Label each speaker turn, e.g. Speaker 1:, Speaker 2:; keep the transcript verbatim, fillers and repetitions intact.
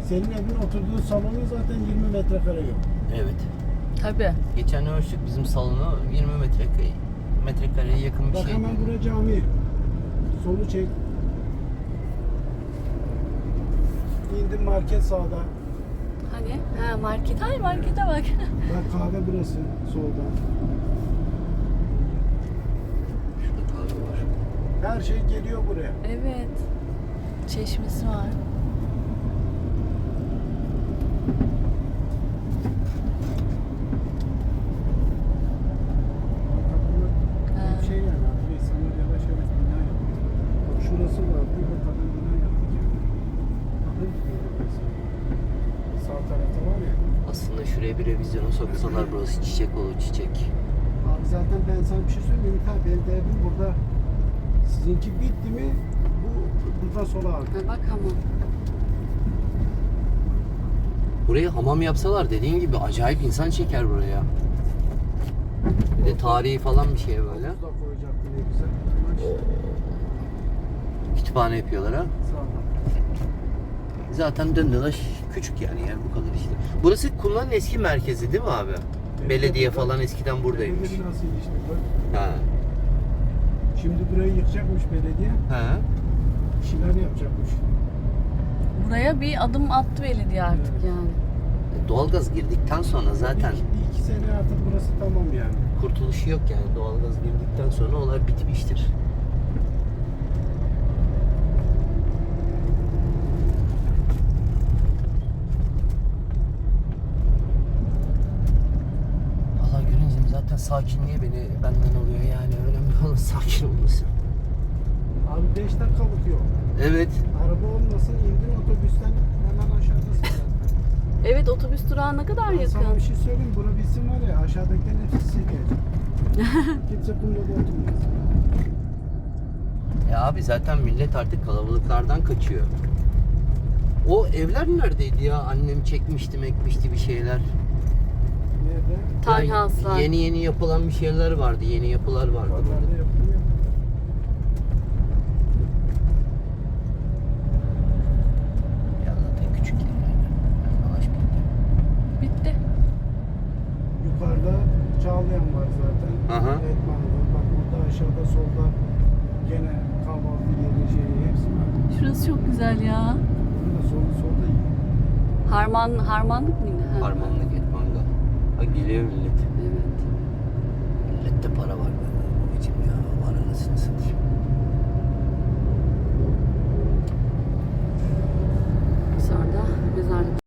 Speaker 1: Senin evin oturduğu salonun zaten yirmi metrekare yok.
Speaker 2: Evet.
Speaker 3: Tabii.
Speaker 2: Geçen ölçtük bizim salonu yirmi metrekare metrekareye yakın bir
Speaker 1: Bak
Speaker 2: şey.
Speaker 1: hemen buraya cami. Solu çek. İndim market sağda.
Speaker 3: Hani? Ha market. Ay markete bak.
Speaker 1: Bak kahve burası solda.
Speaker 2: Şurada kahve var.
Speaker 1: Her şey geliyor buraya.
Speaker 3: Evet. Çeşmesi var.
Speaker 1: Bir şey yani abi. İnsanlar yavaş yavaş bina yapıyor. Bak şurası var. Burada kadın bina yaptık yani. Bakın sağ tarafta var ya.
Speaker 2: Aslında şuraya bir revizyona soksalar burası çiçek olur çiçek.
Speaker 1: Abi zaten ben sana bir şey söyleyeyim mi? Benim de evim burada. Sizinki bitti mi? Bu buradan sola abi.
Speaker 3: Ha, bak ama.
Speaker 2: Buraya hamam yapsalar dediğin gibi acayip insan çeker buraya. Bir de tarihi falan bir şey böyle.
Speaker 1: Havuz da koyacaktı ne güzel. Ama işte
Speaker 2: Kütüphane yapıyorlar ha.
Speaker 1: sağdan.
Speaker 2: Zaten döndüler küçük yani yer bu kadar işte. Burası Kumla'nın eski merkezi değil mi abi? Belediye falan eskiden buradaymış.
Speaker 1: Belediye binasıydı işte. Bak.
Speaker 2: Ha.
Speaker 1: Şimdi burayı yıkacakmış belediye.
Speaker 2: Ha.
Speaker 1: Bir şeyler yapacakmış.
Speaker 3: Buraya bir adım attı belediye artık
Speaker 1: Evet.
Speaker 3: yani.
Speaker 2: Doğalgaz girdikten sonra zaten
Speaker 1: Bir, bir iki sene artık burası tamam yani.
Speaker 2: kurtuluşu yok yani. Doğalgaz girdikten sonra olay bitmiştir. Valla Güneş'im zaten sakinliğe beni benden oluyor yani. Önemli olan sakin olması.
Speaker 1: Abi beş dakikalık yol.
Speaker 2: Evet.
Speaker 1: Araba olmasın indin otobüsten hemen aşağıdasın zaten.
Speaker 3: Evet otobüs durağı ne kadar
Speaker 1: Ben sana
Speaker 3: yakın.
Speaker 1: bir şey söyleyeyim. Bura bitsin var ya aşağıdakilerin hepsi size gelecek. Kimse kumda oturmaz.
Speaker 2: Ya abi zaten millet artık kalabalıklardan kaçıyor. O evler neredeydi ya? Annem çekmişti mekmişti bir şeyler.
Speaker 1: Nerede?
Speaker 3: Tiny
Speaker 2: Yani
Speaker 3: house'lar.
Speaker 2: Yeni yeni yapılan bir şeyler vardı. Yeni yapılar vardı.
Speaker 1: Pazarda yapılıyor.
Speaker 2: Ya zaten küçük yerler. Dolaş bitti.
Speaker 3: Bitti.
Speaker 1: Yukarıda Çağlayan var zaten.
Speaker 2: Aha.
Speaker 1: Etmanlı. Bak burada aşağıda solda gene kahvaltı yeri şeyi hepsi var.
Speaker 3: Şurası çok güzel ya.
Speaker 1: Burada sol, solda iyi.
Speaker 3: Harman, harmanlık mıydı? Ha.
Speaker 2: Harmanlık Etmanga. Ha geliyor millet.
Speaker 3: Evet.
Speaker 2: Millette para var. Babacım ya var anasını satayım.